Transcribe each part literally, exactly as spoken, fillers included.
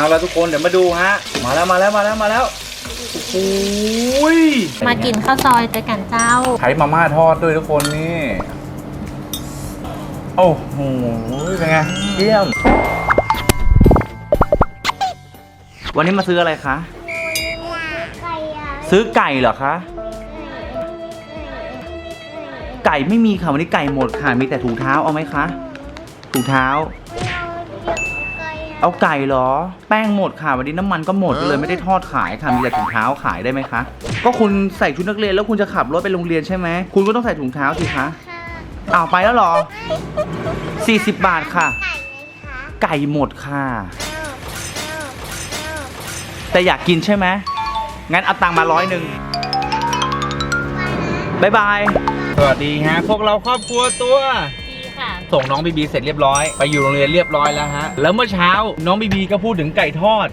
แล้วทุกคนเดี๋ยวมาดูฮะมาแล้วมาแล้วมาแล้วมาแล้วโอ้ยมากินข้าวซอยเจอกันเจ้าใช้มาม่าทอดด้วยทุกคนนี่โอ้โหเป็นไงเยี่ยมวันนี้มาซื้ออะไรคะซื้อไก่เหรอคะไก่ไม่มีค่ะวันนี้ไก่หมดค่ะมีแต่ถุงเท้าเอาไหมคะถุงเท้าเอาไก่เหรอแป้งหมดค่ะวันนี้น้ำมันก็หมดเลยไม่ได้ทอดขายค่ะมีแต่ถุงเท้าขายได้ไหมคะก็คุณใส่ชุดนักเรียนแล้วคุณจะขับรถไปโรงเรียนใช่ไหมคุณก็ต้องใส่ถุงเท้าสิคะอ้าวไปแล้วเหรอสี่สิบบาทค่ะไก่หมดค่ะแต่อยากกินใช่ไหมงั้นเอาตังค์มาร้อยหนึ่งบายบายสวัสดีฮะพวกเราครอบครัวตัวดีค่ะส่งน้องบีบีเสร็จเรียบร้อยไปอยู่โรงเรียนเรียบร้อยแล้วฮะแล้วเมื่อเช้าน้องบีบีก็พูดถึงไก่ทอด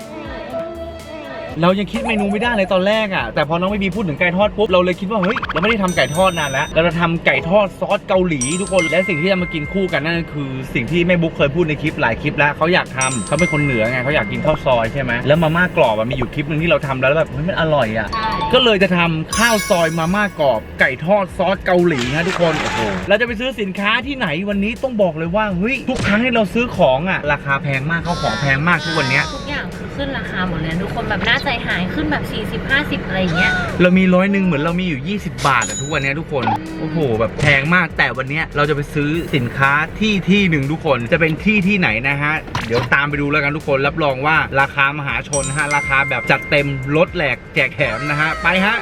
เรายังคิดเมนูไม่ได้เลยตอนแรกอ่ะแต่พอน้องบีบีพูดถึงไก่ทอดปุ๊บเราเลยคิดว่าเฮ้ยเราไม่ได้ทำไก่ทอดนานแล้วเราจะทำไก่ทอดซอสเกาหลีทุกคนและสิ่งที่จะมากินคู่กันนั่นคือสิ่งที่แม่บุ๊กเคยพูดในคลิปหลายคลิปแล้วเขาอยากทำเขาเป็นคนเหนือไงเขาอยากกินข้าวซอยใช่ไหมแล้วมาม่ากรอบมีอยู่คลิปหนึ่งที่เราทำแล้วแบบเฮ้ยมันอร่อยอ่ะก็เลยจะทำข้าวซอยมาม่ากรอบไก่ทอดซอสเกาหลีนะทุกคนโอ้โหเราจะไปซื้อสินค้าที่ไหนวันนี้ต้องบอกเลยว่าเฮ้ยทุกครั้งที่เราซื้อของอ่ะราคาแพงมากข้าวของแพงมากทุกวันนี้ทุกอย่างคือขึ้นราคาหมดเลยทุกคนแบบน่าใจหายขึ้นแบบสี่สิบ ห้าสิบอะไรเงี้ยเรามีร้อยหนึ่งเหมือนเรามีอยู่ยี่สิบบาทอะทุกวันนี้ทุกคนโอ้โหแบบแพงมากแต่วันนี้เราจะไปซื้อสินค้าที่ที่หนึ่งทุกคนจะเป็นที่ที่ไหนนะฮะเดี๋ยวตามไปดูแล้วกันทุกคนรับรองว่าราคามหาชนฮะราคาแบบจัดเต็มลดแหลกแจกแถมนะฮะไปฮะ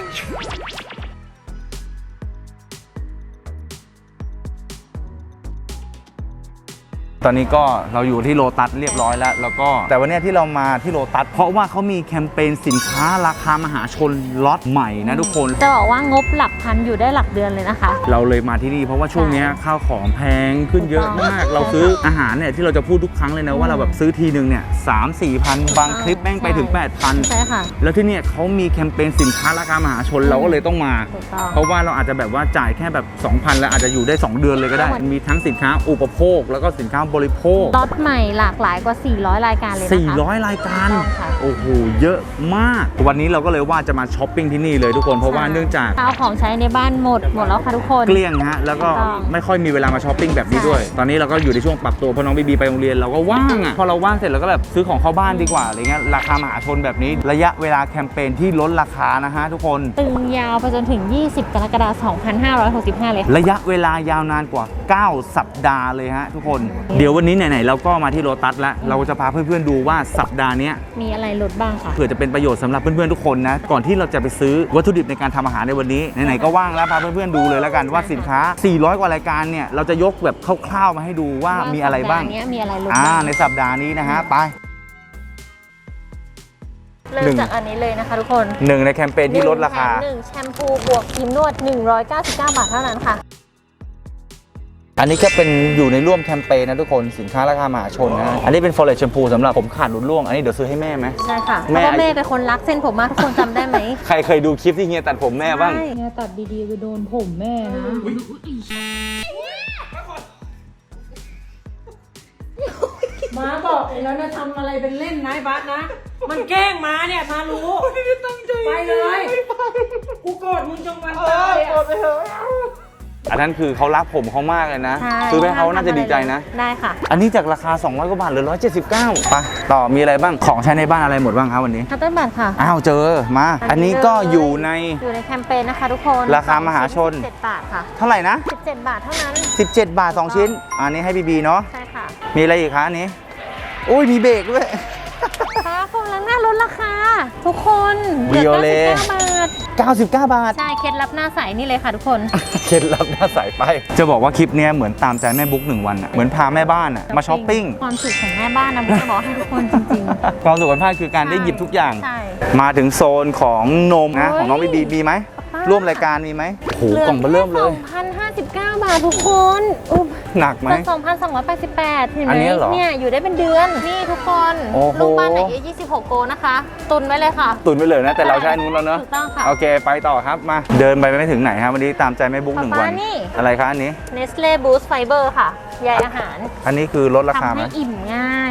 ตอนนี้ก็เราอยู่ที่โลตัสเรียบร้อยแล้วแล้วก็แต่วันนี้ที่เรามาที่โลตัสเพราะว่าเขามีแคมเปญสินค้าราคามหาชนล็อตใหม่นะทุกคนจะบอกว่างบหลักพันอยู่ได้หลักเดือนเลยนะคะเราเลยมาที่นี่เพราะว่าช่วงนี้ข้าวของแพงขึ้นเยอะมากเราซื้ออาหารเนี่ยที่เราจะพูดทุกครั้งเลยนะว่าเราแบบซื้อทีนึงเนี่ยสามสี่พันบางคลิปแม่งไปถึงแปดพันใช่ค่ะแล้วที่เนี่ยเขามีแคมเปญสินค้าราคามหาชนเราก็เลยต้องมาเพราะว่าเราอาจจะแบบว่าจ่ายแค่แบบ สองพัน แล้วอาจจะอยู่ได้สองเดือนเลยก็ได้มีทั้งสินค้าอุปโภคแล้วก็สินค้าบริโภคล็อตใหม่หลากหลายกว่าสี่ร้อยรายการเลยนะคะสี่ร้อยรายการโอ้โหเยอะมากวันนี้เราก็เลยว่าจะมาช้อปปิ้งที่นี่เลยทุกคนเพราะว่าเนื่องจากข้าวของใช้ในบ้านหมดหมดแล้วค่ะทุกคนเกลี้ยงฮะแล้วก็ไม่ค่อยมีเวลามาช้อปปิ้งแบบนี้ด้วยตอนนี้เราก็อยู่ในช่วงปรับตัวเพราะน้องบีบีไปโรงเรียนเราก็ว่างอ่ะพอเราว่างเสร็จเราก็แบบซื้อของเข้าบ้านดีกว่าอะไรเงี้ยราคามหาชนแบบนี้ระยะเวลาแคมเปญที่ลดราคานะฮะทุกคนตึงยาวไปจนถึงยี่สิบกรกฎาคมสองพันห้าร้อยหกสิบห้าเลยระยะเวลายาวนานกว่าเก้าสัปดาห์เลยฮะทุกคนเดี๋ยววันนี้ไหนๆเราก็มาที่โลตัสแล้วเราจะพาเพื่อนๆดูว่าสัปดาห์นี้มีอะไรลดบ้างค่ะเผื่อจะเป็นประโยชน์สำหรับเพื่อนๆทุกคนนะก่อนที่เราจะไปซื้อวัตถุดิบในการทำอาหารในวันนี้ไหนๆก็ว่างแล้วพาเพื่อนๆดูเลยแล้วกันว่าสินค้าสี่ร้อยกว่ารายการเนี่ยเราจะยกแบบคร่าวๆมาให้ดูว่ามีอะไรบ้างมีอะไรลดอ่าในสัปดาห์นี้นะฮะไปเริ่มจากอันนี้เลยนะคะทุกคนหนึ่งในแคมเปญที่ลดราคาหนึ่งแชมพูบวกครีมนวดหนึ่งร้อยเก้าสิบเก้าบาทเท่านั้นค่ะอันนี้ก็เป็นอยู่ในร่วมแคมเปญนะทุกคนสินค้าราคามหาชนนะอันนี้เป็น Forest Shampoo สำหรับผมขาดหลุดร่วงอันนี้เดี๋ยวซื้อให้แม่ไหมใช่ค่ะเพราะว่าแม่เป็นคนรักเส้นผมมากทุกคนจำได้ไหมใครเคยดูคลิปที่เฮียตัดผมแม่บ้างเฮียตัดดีๆไปโดนผมแม่นะม้าบอกแล้วนะทำอะไรเป็นเล่นนะบัสนะมันแกล้งม้าเนี่ยมารู้ไปเลยกูโกรธมึงจงวันตายอ่ะอันนั้นคือเขารักผมเขามากเลยนะซื้อให้เขาน่าจะดีใจนะได้ค่ะอันนี้จากราคาสองร้อยกว่าบาทเหลือหนึ่งร้อยเจ็ดสิบเก้าไปต่อมีอะไรบ้างของใช้ในบ้านอะไรหมดบ้างครับวันนี้คัตเตอร์บัตค่ะอ้าวเจอมาอันนี้ก็อยู่ในอยู่ในแคมเปญนะคะทุกคนราคามหาชนสิบเจ็ดบาทค่ะเท่าไหร่นะสิบเจ็ดบาทเท่านั้นสิบเจ็ดบาทสองชิ้นอันนี้ให้บีบีเนาะใช่ค่ะมีอะไรอีกคะอันนี้อุ้ยมีเบรกด้วยค่ะคนล้างหน้าลดราคาทุกคนเหลือเก้าสิบเก้าบาทเก้าสิบเก้าบาทใช่เคล็ดลับหน้าใสนี่เลยค่ะทุกคนเคล็ดลับหน้าใสไปจะบอกว่าคลิปนี้เหมือนตามใจแม่บุ๊กหนึ่งวันอะเหมือนพาแม่บ้านอะมาช้อปปิ้งความสุขของแม่บ้านนะบุ๊กจะบอกให้ทุกคนจริงๆความสุขของแม่คือการได้หยิบทุกอย่างมาถึงโซนของนมนะของน้องบีบีมีไหมร่วมรายการมีไหมโอ้โหกล่องเบอร์เริ่มเลยสองพันห้าสิบเก้า บาททุกคนอุ๊บหนักไหมสองพันสองร้อยแปดสิบแปดเห็นไหมเนี่ยอยู่ได้เป็นเดือนนี่ทุกคนลูกบ้านไหนเอยี่สิบหกโกนะคะตุนไว้เลยค่ะตุนไว้เลยนะแต่เราใช้นู้นแล้วเนอะถูกต้องค่ะโอเคไปต่อครับมาเดินไปไม่ถึงไหนครับวันนี้ตามใจแม่บุ๊กหนึ่งวันอะไรคะอันนี้ Nestle Boost Fiber ค่ะใยอาหารอันนี้คือลดราคาไหมทำให้อิ่มง่าย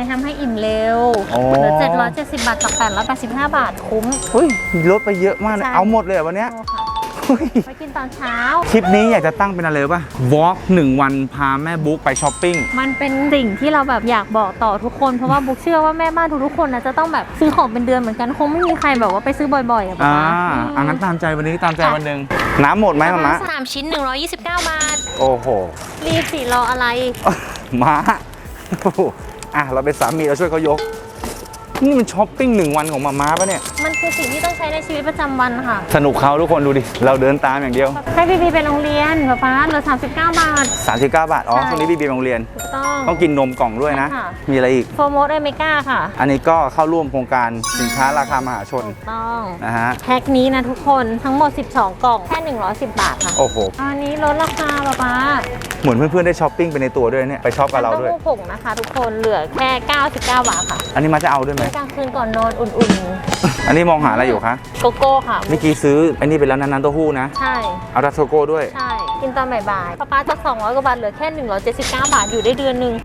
ทำให้อิ่มเร็วโอ้เหลือเจ็ดร้อยเจ็ดสิบบาทจากแปดร้อยแปดสิบห้าบาทคุ้มเฮ้ยลดไปเยอะมากเลยใช่เอาหมดเลยเหรอวันเนี้ยโอ้ค่ะเฮ้ยไปกินตอนเช้าคลิปนี้อยากจะตั้งเป็นอะไรรู้ป่ะวอล์กหนึ่งวันพาแม่บุ๊กไปช้อปปิ้งมันเป็นสิ่งที่เราแบบอยากบอกต่อทุกคน เพราะว่าบุ๊กเชื่อว่าแม่บ้านทุกๆคนนะจะต้องแบบซื้อของเป็นเดือนเหมือนกันคงไม่มีใครแบบว่าไปซื้อบ่อยๆอ่ะอ่าป๊าอ่างั้นตามใจวันนี้ตามใจวันหนึ่งน้ำหมดไหมมามะสามชิ้นหนึ่งร้อยยี่สิบเก้าบาทโอ้โหรีบสิรออะไรม้าโอ้โหอ่ะเราเป็นสามีเราช่วยเขายก นี่มันช้อปปิ้งหนึ่งวันของมาม้าปะเนี่ยมันคือสิ่งที่ต้องใช้ในชีวิตประจำวันค่ะสนุกเขาทุกคนดูดิ เราเดินตามอย่างเดียวให้บีบีไปโรงเรียนป๊าป๊าเหลือสามสิบเก้าบาทสามสิบเก้าบาท อ๋อใช่ช่วงนี้บีบีโรงเรียนถูกต้องต้องกินนมกล่องด้วยนะใช่ค่ะมีอะไรอีกโฟร์โมสเอเมก้าค่ะอันนี้ก็เข้าร่วมโครงการสินค้าราคามหาชนถูกต้องนะฮะแพ็คนี้นะทุกคนทั้งหมดสิบสองกล่องแค่หนึ่งร้อยสิบบาทค่ะโอ้โหอันนี้ลดราคาป๊าป๊าเหมือนเพื่อนๆได้ช้อปปิ้งไปในตัวด้วยเนี่ย ไปช้อปกับเราด้วยน้ำเต้าหู้ผงนะคะทุกคนเหลือแค่เก้าสิบเก้าบาทค่ะอันนี้มาจะเอาด้วยไหมกลางคืนก่อนนอนอุ่นอันนี้มองหาอะไรอยู่คะๆ โกโก้ค่ะเมื่อกี้ซื้ออันนี้ไปแล้วนะน้ำเต้าหู้นะใช่เอาดัชโชโก้ด้วยใช่ กินตอนบ่ายๆป๊าป๊าจากสองร้อยกว่าบาทเหลือแค่หนึ่งร้อยเจ็ดสิบเก้าบาทอยู่ได้เดือนหนึ่ง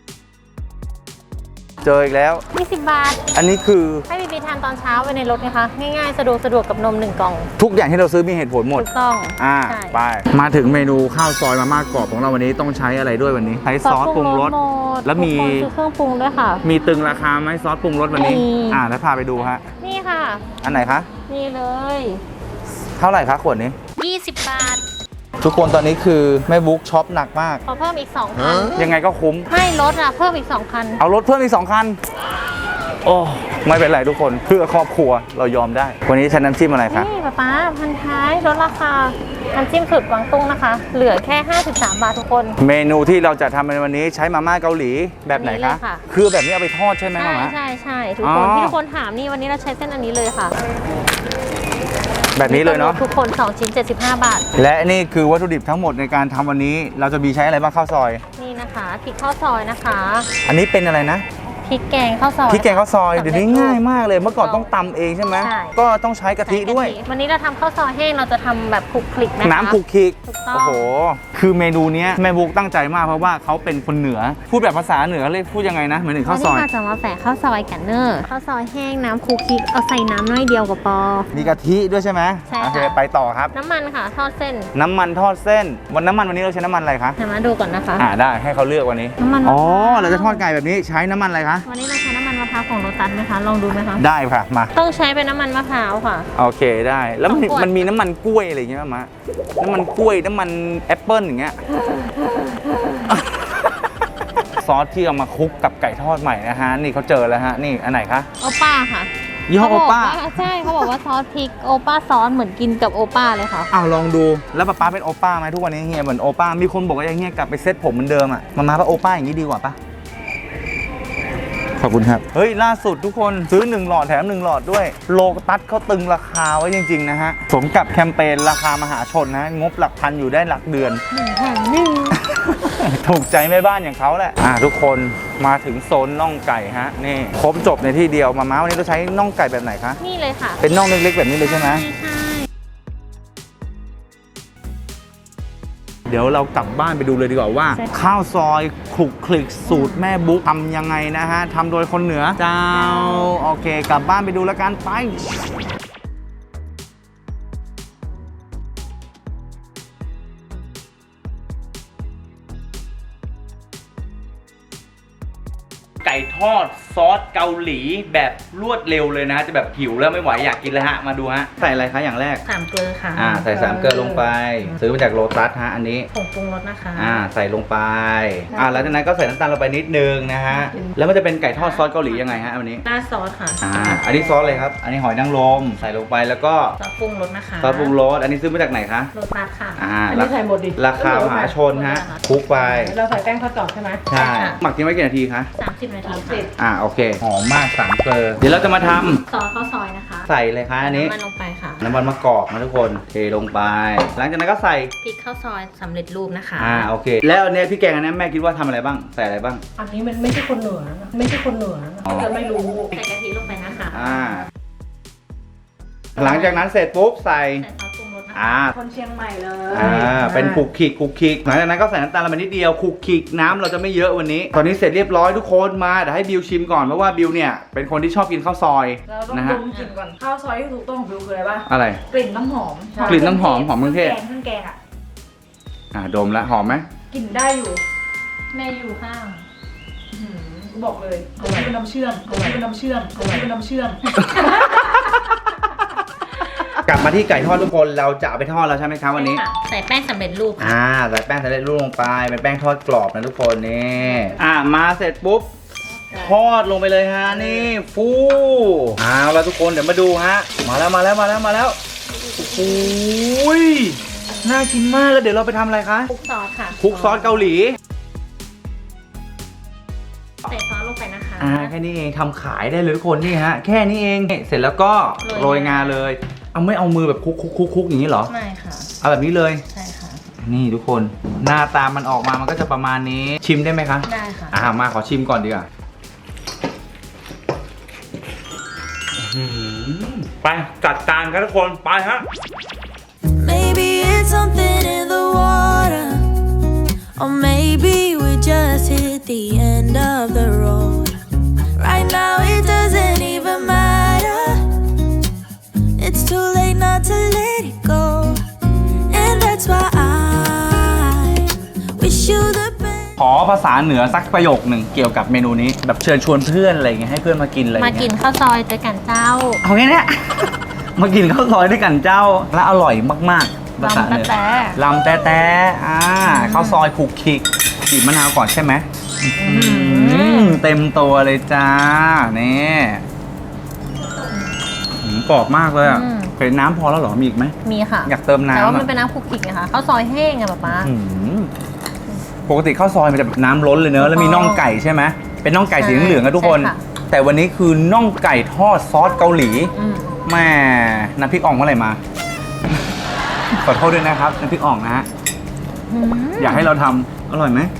เจออีกแล้วยี่สิบบาทอันนี้คือให้บีบีทานตอนเช้าไปในรถนะคะ ง่ายๆ สะดวกสะดวกกับนมหนึ่งกล่องทุกอย่างที่เราซื้อมีเหตุผลหมดถูกต้องอ่าใช่ไป มาถึงเมนูข้าวซอยมาม่ากรอบของเราวันนี้ต้องใช้อะไรด้วยวันนี้ ใช้ซอสปรุงรสหมดแล้วมีทุกคนซื้อเครื่องปรุงด้วยค่ะมีตึงราคาไหมซอสปรุงรสวันนี้มีอ่าแล้วพาไปดูฮะนี่ค่ะอันไหนคะนี่เลยเท่าไหร่คะขวดนี้ยี่สิบบาททุกคนตอนนี้คือแม่บุ๊กช็อปหนักมากขอเพิ่มอีกสองพันยังไงก็คุ้มไม่ลดอ่ะ เพิ่มอีกสองพันเอารถเพิ่มอีกสองคัน โอ้ไม่เป็นไรทุกคนเพื่อครอบครัวเรายอมได้ วันนี้ใช้น้ำจิ้มอะไรคะนี่ป๊าป๊าพันท้ายลดราคาน้ำจิ้มสุดกวางตุ้งนะคะ เหลือแค่ห้าสิบสามบาททุกคนเมนูที่เราจะทำในวันนี้ใช้มาม่าเกาหลีแบบไหนอันนี้เลคะยค่ะคือแบบนี้เอาไปทอดใช่ไหมใช่มาม่าใช่ใช่ทุกคนอ๋อที่ทุกคนถามนี่วันนี้เราใช้เส้นอันนี้เลยค่ะแบบนี้เลยเนาะทุกคนสองชิ้นเจ็ดสิบห้าบาทและนี่คือวัตถุดิบทั้งหมดในการทำวันนี้ เราจะมีใช้อะไรบ้างข้าวซอยนี่นะคะพริกข้าวซอยนะคะอันนี้เป็นอะไรนะพริกแกงข้าวซอยพริกแกงข้าวซอยสำเร็จเดี๋ยวนี้ง่ายมากเลยเมื่อก่อนต้องตำเองใช่ไหมใช่ก็ต้องใช้กะทิด้วยใส่กะทิวันนี้เราทำข้าวซอยแห้งเราจะทำแบบคลุกคลิกนะคะน้ำคลุกคลิกถูกต้องโอ้โห คือเมนูเนี้ยแม่บุ๊กตั้งใจมากเพราะว่าเขาเป็นคนเหนือ พูดแบบภาษาเหนือเลยพูดยังไงนะเหมือนถึงข้าวซอยวันนี้เราจะมาแฝงข้าวซอยกันเนอร์ข้าวซอยแห้งน้ำคลุกคลิกเอาใส่น้ำน้อยเดียวกับปอมีกะทิด้วยใช่ไหมใช่ค่ะโอเคไปต่อครับน้ำมันค่ะทอดเส้นน้ำมันทอดเส้น วันน้ำมันวันนี้เราใช้น้ำมันอะไรคะเดี๋ยวมาดูก่อนนะคะอ่าได้ให้เขาเลือกวันนี้น้ำมันอ๋อเราจะทอดไก่แบบนี้ใช้น้ำมันอะไรคะวันนี้เราใช้น้ำมันมะพร้าวของโรตัสไหมคะลองดูไหมคะได้ค่ะมาต้องใช้เป็นน้ำมันมะพร้าวค่ะโอเคได้ แล้วมันสองขวดมันมีน้ำมันกล้วยอะไรอย่างเงี้ยมะน้ำมันกล้วยน้ำมันแอปเปิ้ลอย่างเงี้ย ซอสที่เอามาคลุกกับไก่ทอดใหม่นะฮะนี่เขาเจอแล้วฮะนี่อันไหนคะโอป้าค่ะยี่ห้อโอป้าเขบอกว่ใช่เขาบอกว่าซอสพริกโอป้าซอสเหมือนกินกับโอป้าเลยค่ะอ้าวลองดูแล้วป๊าป๊าเป็นโอป้าไหมทุกวันนี้เฮียเหมือนโอป้ามีคนบอกว่าอย่างเงี้ยกลับไปเซ็ตผมเหมือนเดิมอ่ะมามาว่าโอป้าอย่างนี้ดีกว่าปะขอบคุณครับ เฮ้ย ล่าสุดทุกคนซื้อหนึ่งหลอดแถมหนึ่งหลอดด้วยโลตัสเขาตึงราคาไว้จริง ๆ นะฮะ สมกับแคมเปญราคามหาชนนะ งบหลักพันอยู่ได้หลักเดือนหนึ่งแถมหนึ่งถูกใจแม่บ้านอย่างเขาแหละ อ่ะทุกคนมาถึงโซนน่องไก่ฮะ นี่ครบจบในที่เดียวมาม้าวันนี้เราใช้น่องไก่แบบไหนคะนี่เลยค่ะเป็นน่องเล็กๆแบบนี้เลยใช่ไหมใช่ใช่เดี๋ยวเรากลับบ้านไปดูเลยดีกว่าว่า ข้าวซอยคลุกคลิกสูตรแม่บุ๊กทำยังไงนะฮะทำโดยคนเหนือเจ้าโอเค กลับบ้านไปดูแล้วกันไป ไก่ทอดซอสเกาหลีแบบรวดเร็วเลยนะจะแบบหิวแล้วไม่ไหวอยากกินแล้วฮะมาดูฮะใส่อะไรคะอย่างแรกสามเกลือค่ะอ่าใส่สามเกลือลงไป ซื้อมาจากโลตัสฮะอันนี้ผงปรุงรสนะคะอ่าใส่ลงไปอ่าแล้วจากนั้นก็ใส่น้ำตาลลงไปนิดนึงนะฮะแล้วมันจะเป็นไก่ทอดซอสเกาหลียังไงฮะวันนี้ราดซอสค่ะอ่าอันนี้ซอสเลยครับอันนี้หอยนางรมใส่ลงไปแล้วก็ซอสปรุงรสนะคะซอสปรุงรสอันนี้ซื้อมาจากไหนคะโรตัสค่ะอ่าอันนี้ใส่หมดดิราคามหาชนฮะคลุกไปเราใส่แป้งข้าวตอกใช่ไหมใช่หมักทิ้งไว้กี่นาทีคะสามสิบนาทีค่ะอ่าโอเคหอมมากสามเกลือเดี๋ยวเราจะมาทำซอสข้าวซอยนะคะใส่เลยคะอันนี้น้ำมันลงไปค่ะน้ำมันมะกอกนะทุกคนเทลงไป หลังจากนั้นก็ใส่พริกข้าวซอยสำเร็จรูปนะคะอ่าโอเค แล้วอันเนี้ยพี่แกงอันนี้แม่คิดว่าทำอะไรบ้างใส่อะไรบ้างอันนี้มันไม่ใช่คนเหนือนะไม่ใช่คนเหนือนะอ๋อจะไม่รู้ใส่กะทิลงไปนะคะอ่าหลังจากนั้นเสร็จปุ๊บใส่ใส่ซอสปรุงรสอ่าคนเชียงใหม่เลยอ่าเป็นคลุกคลิกคลุกคลิกหลังจากนั้นก็ใส่น้ำตาลลงไปนิดเดียวคลุกคลิกน้ำเราจะไม่เยอะวันนี้ ตอนนี้เสร็จเรียบร้อยทุกคนมาเดี๋ยวให้บิวชิมก่อนเพราะว่าบิวเนี่ยเป็นคนที่ชอบกินข้าวซอยเราต้องนะดฮะมกลิ่นก่อนข้าวซอยที่ถูกต้องของบิวคืออะไรป่ะอะไรกลิ่นน้ำหอมกลิ่นน้ำหอมหอมเครื่องเทศแกงเครื่องแกงอ่ะอ่าดมแล้วหอมไหมกลิ่นได้อยู่แม่อยู่ข้างหืมกูบอกเลยเอาไว้เป็นน้ำเชื่อมเอาไว้เป็นน้ำเชื่อมเอาไว้เป็นน้ำเชื่อมกลับมาที่ไก่ทอดทุกคนเราจะเอาไปทอดแล้วใช่ไหมครับวันนี้ใส่แป้งสำเร็จรูปค่ะอ่าใส่แป้งสำเร็จรูปลงไปเป็นแป้งทอดกรอบนะทุกคนนี่อ่ามาเสร็จปุ๊บทอดลงไปเลยฮะนี่ฟูเอาแล้วทุกคนเดี๋ยวมาดูฮะมาแล้วมาแล้วมาแล้วมาแล้วโอ้ยน่ากินมากแล้วเดี๋ยวเราไปทำอะไรคะคลุกซอสค่ะคลุกซอสเกาหลีใส่ซอสลงไปนะคะอ่าแค่นี้เองทำขายได้เลยทุกคนนี่ฮะแค่นี้เองเสร็จแล้วก็โรโรยยงางาเลยเอาไม่เอามือแบบคลุกคลุกคลุกคลุกอย่างนี้เหรอไม่ค่ะเอาแบบนี้เลยใช่ค่ะนี่ทุกคนหน้าตามันออกมามันก็จะประมาณนี้ชิมได้ไหมคะได้ค่ะอ่ามาขอชิมก่อนดีกว่าไปจัดจานกันทุกคนไปฮะ Maybe it's something in the water, or maybe we just hit the end of the road. Right now it doesn't even matter. It's too late not to let it go, and that's why I wish you the best. ขอภาษาเหนือสักประโยคหนึ่งเกี่ยวกับเมนูนี้แบบเชิญชวนเพื่อนอะไรเงี้ยให้เพื่อนมากินอะไรมาเงี้ยกินข้าวซอยด้วยกันเจ้าเอาแค่เนี้ย มากินข้าวซอยด้วยกันเจ้าและอร่อยมากๆภาษาเหนือลำแต๊ะลำแต๊ะแต๊ะอ่าข้าวซอยคลุกคลิกบีบมะนาวก่อนใช่ไหมอืมเต็มตัวเลยจ้านี่อืมกรอบมากเลยอ่ะอืมเคยน้ำพอแล้วเหรอมีอีกไหมมีค่ะอยากเติมน้ำแต่ว่ามันอะเป็นน้ำคลุกคลิกนะคะข้าวซอยแห้งอะป๊าป๊าอืมปกติข้าวซอยมันจะแบบน้ำล้นเลยเนอะแล้วมีน่องไก่ใช่ไหมเป็นน่องไก่สีเหลืองๆอะทุกคนใช่ค่ะแต่วันนี้คือน่องไก่ทอดซอสเกาหลีอืมแม่น้ำพริกอ่องเมื่อไหร่มา ขอโทษด้วยนะครับน้ำพริกอ่องนะฮะอืมอยากให้เราทำอร่อยไหม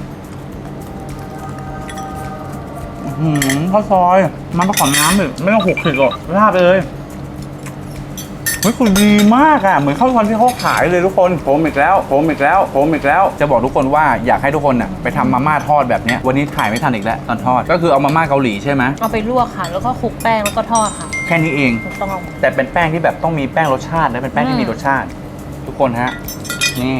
อื้อหือข้าวซอยมันประกอบน้ำเลยไม่ต้องหกสิบหรอกราดเลยเฮ้ยคุณดีมากอ่ะเหมือนข้าวซอยที่เขาขายเลยทุกคนผมอีกแล้วผมอีกแล้วผมอีกแล้ว จะบอกทุกคนว่าอยากให้ทุกคนน่ะไปทำมาม่าทอดแบบเนี้ยวันนี้ถ่ายไม่ทันอีกแล้วตอนทอดก็คือเอามาม่าเกาหลีใช่ไหมเอาไปลวกค่ะ แล้วก็คลุกแป้งแล้วก็ทอดค่ะแค่นี้เองถูกต้องแต่เป็นแป้งที่แบบต้องมีแป้งรสชาติและเป็นแป้งที่มีรสชาติ ทุกคนฮะ นี่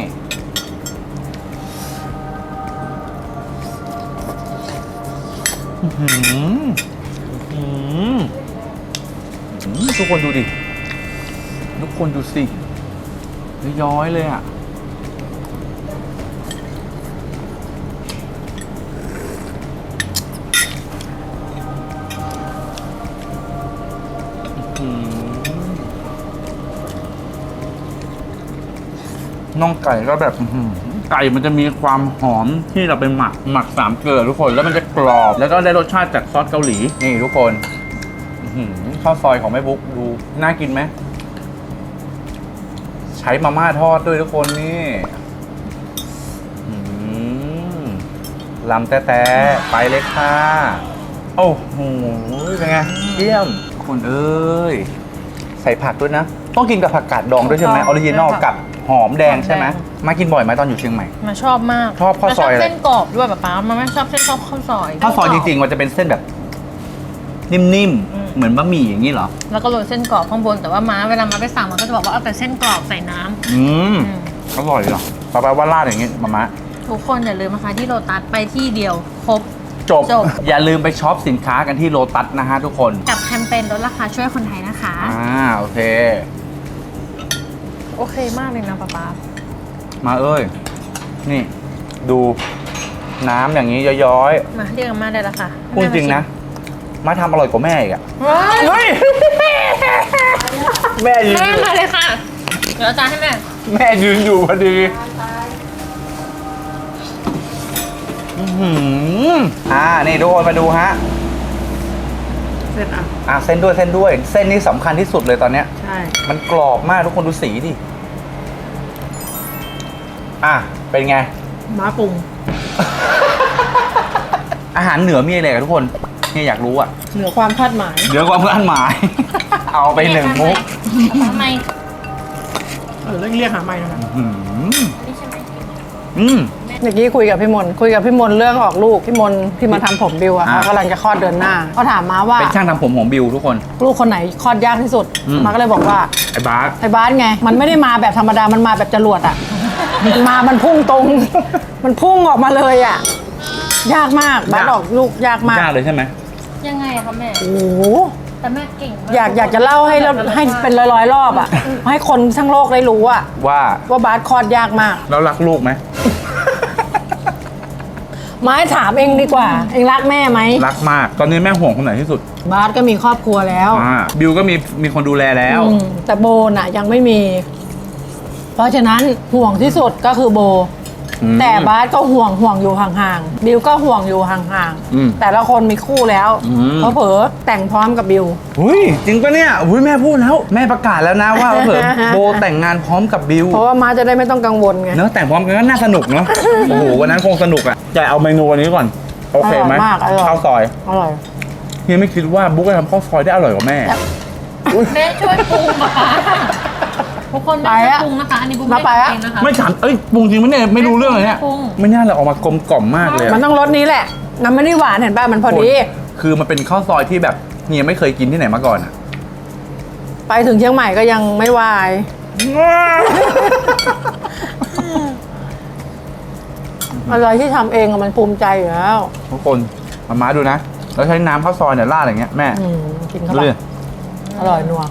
อื้อหืออื้อหืออื้อหือทุกคนดูดิ ทุกคนดูสิย้อยๆเลยอ่ะ น่องไก่ก็แบบอื้อหือไก่มันจะมีความหอมที่เราไปหมักหมักสามเกลือทุกคนแล้วมันจะกรอบแล้วก็ได้รสชาติจากซอสเกาหลีนี่ทุกคนอื้อหือข้าวซอยของแม่บุ๊กดูน่ากินไหมใช้มาม่าทอดด้วยทุกคนนี่อื้อหือลำแต๊ะๆไปเลยค่ะโอ้โหเป็นไงเยี่ยมคุณเอ้ยใส่ผักด้วยนะต้องกินกับผักกาดดองด้วยใช่ไหมออริจินอลกับหอมแดงใช่ไหมมากินบ่อยไหมตอนอยู่เชียงใหม่มาชอบมากชอบข้าวซอยอะไรมชบเส้นกรอบด้วยป๊าป๊ามันไม่ชอบเส้นชอบข้าวซอยข้าวซอยจริงๆมันจะเป็นเส้นแบบนิ่มอืมๆเหมือนบะหมี่อย่างนี้เหรอแล้วก็โรยเส้นกรอบข้างบนแต่ว่าม้าเวลามาไปสั่งมันก็จะบอกว่าเอาแต่เส้นกรอบใส่น้ำอืมอืมอร่อยเหรอป้าป้าว่าราดอย่างงี้มามะทุกคนอย่าลืมนะคะที่โลตัสไปที่เดียวครบจบจบอย่าลืมไปช็อปสินค้ากันที่โลตัสนะฮะทุกคนกับแคมเปญลดราคาช่วยคนไทยนะคะอ่าโอเคโอเคมากเลยนะป๊าป๊ามาเอ้ย นี่ ดูน้ำอย่างนี้ย้อยมาเรียกอาม่าได้แล้วค่ะๆพูดจริงนะ มาทำอร่อยกว่าแม่อีกอะว้ายเฮ้ย แม่ยืนแม่อยู่มาเลยค่ะเดี๋ยวเอาจานให้แม่แม่ยืนอยู่พอดีอื้อหืออ่า นี่ทุกคนมาดูฮะเสร็จอ่ะอ่ะเส้นด้วยเส้นด้วย เส้นนี้สำคัญที่สุดเลยตอนเนี้ยใช่มันกรอบมากทุกคนดูสีดิ อ่ะ เป็นไงม้าปรุงอาหารเหนือมีอะไรกันทุกคนเนี่ยอยากรู้อ่ะเหนือความคาดหมายเดี๋ยวความคาดหมาย เอาไปหนึ่งมุกทำไมเอเรียกเรียกหาไม่นะอืมอืมเมื่อกี้คุยกับพี่มนคุยกับพี่มนเรื่องออกลูกพี่มนที่มาทำผมบิวอะอ่าเขากำลังจะคลอดเดือนหน้าเขาถามมาว่าเป็นช่างทำผมของบิวทุกคนลูกคนไหนคลอดยากที่สุดอืมมาก็เลยบอกว่าไอ้บาสไอ้บาสไง มันไม่ได้มาแบบธรรมดา มันมาแบบจรวดอะ มันมา มันพุ่งตรง มันพุ่งออกมาเลยอะยากมากบาสออกลูกยากมากยากเลยใช่ไหมยังไงอะคะแม่โอ้โหแต่แม่เก่งมากอยากอยากจะเล่าให้เราให้เป็นร้อยๆรอบอะให้คนทั้งโลกได้รู้อะว่าว่าบาสคลอดยากมากแล้วรักลูกไหมไม้ถามเองดีกว่า เองรักแม่ไหมรักมาก ตอนนี้แม่ห่วงคนไหนที่สุดบาสก็มีครอบครัวแล้วอ่าบิวก็มีมีคนดูแลแล้วอืมแต่โบน่ะยังไม่มี เพราะฉะนั้นห่วงที่สุดก็คือโบอืมแต่บาสก็ห่วงห่วงอยู่ห่างๆบิวก็ห่วงอยู่ห่างอืมๆแต่ละคนมีคู่แล้วอืมเพราะเผลอแต่งพร้อมกับบิวอุ้ยจริงปะเนี่ยอุ้ยแม่พูดแล้ว แม่ประกาศแล้วนะว่าเผื่อโบแต่งงานพร้อมกับบิวเพราะว่ามาจะได้ไม่ต้องกังวลไงเนอะแต่งพร้อมกันก็น่าสนุกเนาะ โอ้โหวันนั้นคงสนุกอ่ะจะเอาเมนูวันนี้ก่อน โอเคไหมอร่อยมากอร่อยข้าวซอยอร่อยเฮียไม่คิดว่าบุ๊กจะทำข้าวซอยได้อร่อยกว่าแม่แม่ช่วยปรุงนะคะทุกคนแม่ช่วยปรุงนะคะ อันนี้บุ๊กมาไปอะเองนะคะไม่ถามเอ้ยปรุงจริงไหมเนี่ยไม่รู้เรื่องเลยเนี่ยปรุงไม่น่าเลยออกมากลมกล่อมมากเลยอะมันต้องรสนี้แหละน้ำไม่ได้หวานเห็นป่ะมันพอดีคือมันเป็นข้าวซอยที่แบบเฮียไม่เคยกินที่ไหนมาก่อนอะไปถึงเชียงใหม่ก็ยังไม่วาย อะไรที่ทำเองอะมันภูมิใจอยู่แล้วทุกคนมาม้าดูนะ แล้วใช้น้ำข้าวซอยเนี่ยราดอย่างเงี้ยแม่อืมกินเข้าดูไปดิอร่อยนัว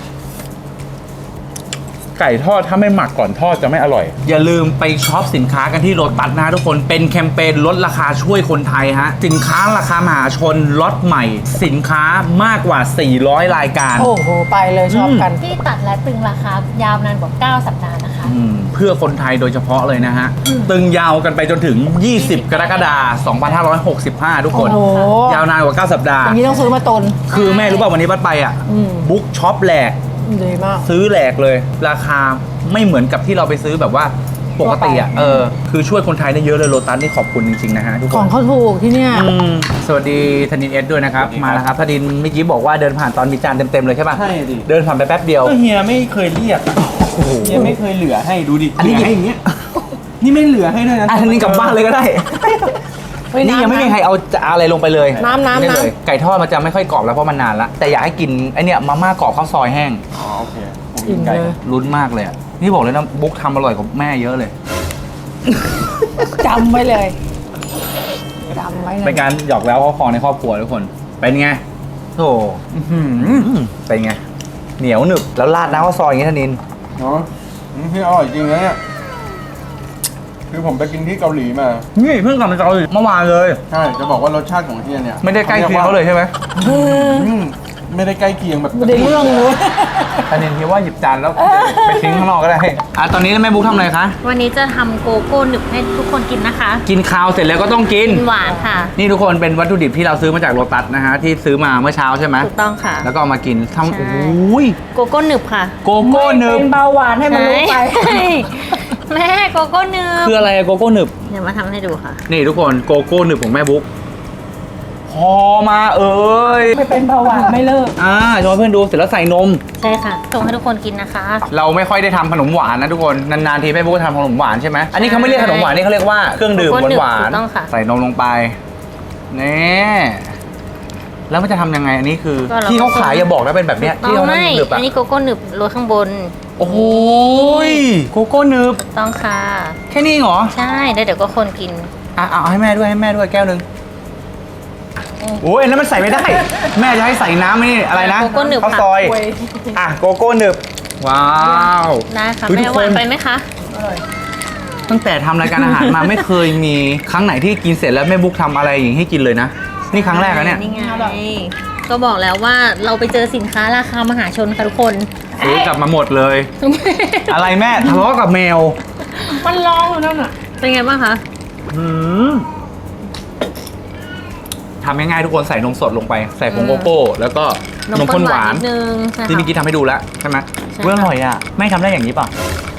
ไก่ทอดถ้าไม่หมักก่อนทอดจะไม่อร่อย อย่าลืมไปช็อปสินค้ากันที่โลตัสนะทุกคนเป็นแคมเปญลดราคาช่วยคนไทยฮะสินค้าราคามหาชนล็อตใหม่ สินค้ามากกว่า สี่ร้อย รายการโอ้โหไปเลยชอบกันที่ตัดและตึงราคายาวนานกว่า เก้า สัปดาห์นะคะอืมเพื่อคนไทยโดยเฉพาะเลยนะฮะ ตึงยาวกันไปจนถึง ยี่สิบ กรกฎาคม สองพันห้าร้อยหกสิบห้า ทุกคนโอ้โหยาวนานกว่า เก้า สัปดาห์อย่างนี้ต้องซื้อมาตนคือแม่รู้ป่ะวันนี้บัดไปอ่ะอืมบุ๊กช็อปแหลกดีมากซื้อแหลกเลย ราคาไม่เหมือนกับที่เราไปซื้อแบบว่าปกติอ่ะ เออ คือช่วยคนไทยได้เยอะเลยโลตัสนี่ขอบคุณจริงๆนะฮะทุกคของนเขาถูกที่เนี่ยอืมสวัสดีธนินเอสด้วยนะครับ มาแล้วครับธนินเมื่อกี้บอกว่าเดินผ่านตอนมีจานเต็มๆเลยใช่ป่ะใช่ดิเดินผ่านไปแป๊บเดียวก็เฮียไม่เคยเรียกอะเฮียไม่เคยเหลือให้ดูดิอันนี้เหลืให้อย่างเงี้ย นี่ไม่เหลือให้ด้วยนะอ่ะธนินกลับบ้านเลยก็ได้เฮ้ยนี่ยังไม่มีำใครเอาจะอะไรลงไปเลยน้ำน้ำไม่ได้น้ำเลยไก่ทอดมันจะไม่ค่อยกรอบแล้วเพราะมันนานละแต่อยากให้กินไอเนี่ยมาม่ากรอบข้าวซอยแห้งอ๋อโอเคผมกินไก่เลยลุ้นมากเลยอะนี่บอกเลยนะบุ๊กทำอร่อยกว่าแม่เยอะเลยจำไว้เลยจำไว้เลยเป็นการหยอกแล้วเขาคอในครอบครัวทุกคน เป็นไงโธ่อื้อหือเป็นไง เหนียวหนึบแล้วราดน้ำข้าวซอยอย่างงี้ธนินเนาะอืมพี่อร่อยจริงนะเนี่ยคือผมไปกินที่เกาหลีมานี่เพิ่งกลับมาจากเกาหลีเมื่อวานเลยใช่ จะบอกว่ารสชาติของเฮียเนี่ยไม่ได้ใกล้เคียงเขาเลยใช่ไหมอืมไม่ได้ใกล้เคียงแบบไม่ได้เรื่องเลยธนินคิดว่าหยิบจานแล้วไปทิ้งข้างนอกก็ได้อ่ะตอนนี้แม่บุ๊กทำอะไรคะวันนี้จะทำโกโก้หนึบให้ทุกคนกินนะคะกินข้าวเสร็จแล้วก็ต้องกินกินหวานค่ะนี่ทุกคนเป็นวัตถุดิบที่เราซื้อมาจากโลตัสนะฮะที่ซื้อมาเมื่อเช้าใช่ไหมถูกต้องค่ะแล้วก็เอามากินทำใช่โอ้ยโกโก้หนึบค่ะโกโก้หนึบเป็นเบาหวานให้มันรู้ไปใช่แม่โกโก้หนึบคืออะไรอะโกโก้หนึบเดี๋ยวมาทำให้ดูค่ะนี่ทุกคนโกโก้หนึบของแม่บุ๊กพอมาเอ้ยไม่เป็นเบาหวานไม่เลิกอ่าชวนเพื่อนดูเสร็จแล้วใส่นมใช่ค่ะส่งให้ทุกคนกินนะคะเราไม่ค่อยได้ทำขนมหวานนะทุกคนนานๆทีแม่บุ๊กจะทำขนมหวานใช่ไหมอันนี้เขาไม่เรียกขนมหวานนี่เขาเรียกว่าเครื่องดื่มโกโก้หนึบหวานถูกต้องค่ะๆใส่นมลงไปนี่แล้วมันจะทำยังไงอันนี้คือก็เราที่เขาขายอย่าบอกนะเป็นแบบเนี้ยที่ต้อเขางไม่หนึบๆอัอะนนี้โกโก้หนึบโรยข้างบนโอ้โหยโกโก้หนึบถูกต้องค่ะแค่นี้เหรอใช่แล้วเดี๋ยวก็คนกินอ่ะเอาให้แม่ด้วยให้แม่ด้วยแก้วหนึงโอ้ยอันนั้นมันใส่ไม่ได้ แม่จะให้ใส่น้ำนี่อะไรนะโกโก้หนึบข้าวค่ะซอยอ่ะโกโก้หนึบว้าวได้ค่ะเฮ้ยแม่ทุกหวานคนไปไหมคะตั้งแต่ทำรายการอาหารมา ไม่เคยมีครั้งไหนที่กินเสร็จแล้วแม่บุ๊กทำอะไรอย่างนี้ให้กินเลยนะ นี่ครั้งแรกนะเนี่ยนี่ไงก็บอกแล้วว่าเราไปเจอสินค้าราคามหาชนค่ะทุกคนซื้อกลับมาหมดเลย อะไรแม่ทะเลาะกับแมวมันร้องอยู่นั่นอ่ะเป็นไงบ้างคะหืมทำง่ายๆทุกคนใส่นมสดลงไป ใส่ผงโกโก้ แล้วก็นมข้นหวานนิดนึงใช่ที่เมื่อค่ะกี้ทำให้ดูแล้วใช่ไหมใช่เรื่องอร่อยอ่ะแม่ทำได้อย่างนี้ป่ะ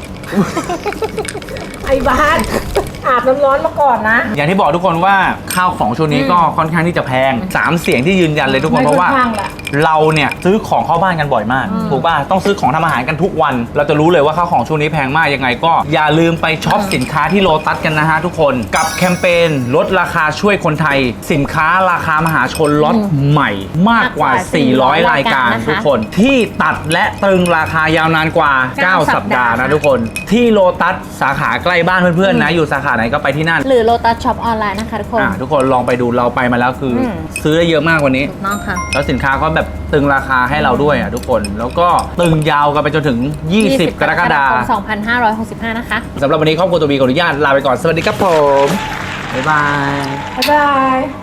ไอ้บ้านอาบน้ำร้อนมาก่อนนะอย่างที่บอกทุกคนว่าข้าวของช่วงนี้ก็ค่อนข้างที่จะแพงสามเสียงที่ยืนยันเลยทุกคนเพราะว่าไม่ค่อนข้างแหละเราเนี่ยซื้อของเข้าบ้านกันบ่อยมากอืมถูกป่ะต้องซื้อของทำอาหารกันทุกวันเราจะรู้เลยว่าข้าวของช่วงนี้แพงมากยังไงก็อย่าลืมไปช็อปสินค้าที่โลตัสกันนะฮะทุกคนกับแคมเปญลดราคาช่วยคนไทย สินค้าราคามหาชนล็อตใหม่มากกว่า สี่ร้อย รายการทุกคนที่ตัดและตรึงราคายาวนานกว่า เก้า สัปดาห์นะทุกคนที่โลตัสสาขาใกล้บ้านเพื่อนๆนะอยู่สาขาไหนก็ไปที่นั่นหรือโลตัสช็อปออนไลน์นะคะทุกคนอ่ะทุกคนลองไปดูเราไปมาแล้วคืออมซื้อได้เยอะมากกว่านี้ถูกต้องค่ะแล้วสินค้าก็แบบตึงราคาให้เราด้วยอ่ะทุกคน แล้วก็ตึงยาวกันไปจนถึง ยี่สิบ กรกฎาคมสองพันห้าร้อยหกสิบห้านะคะสำหรับวันนี้ครอบครัวตัวบีขออนุญาตลาไปก่อน สวัสดีครับผม บ๊ายบายบ๊ายบาย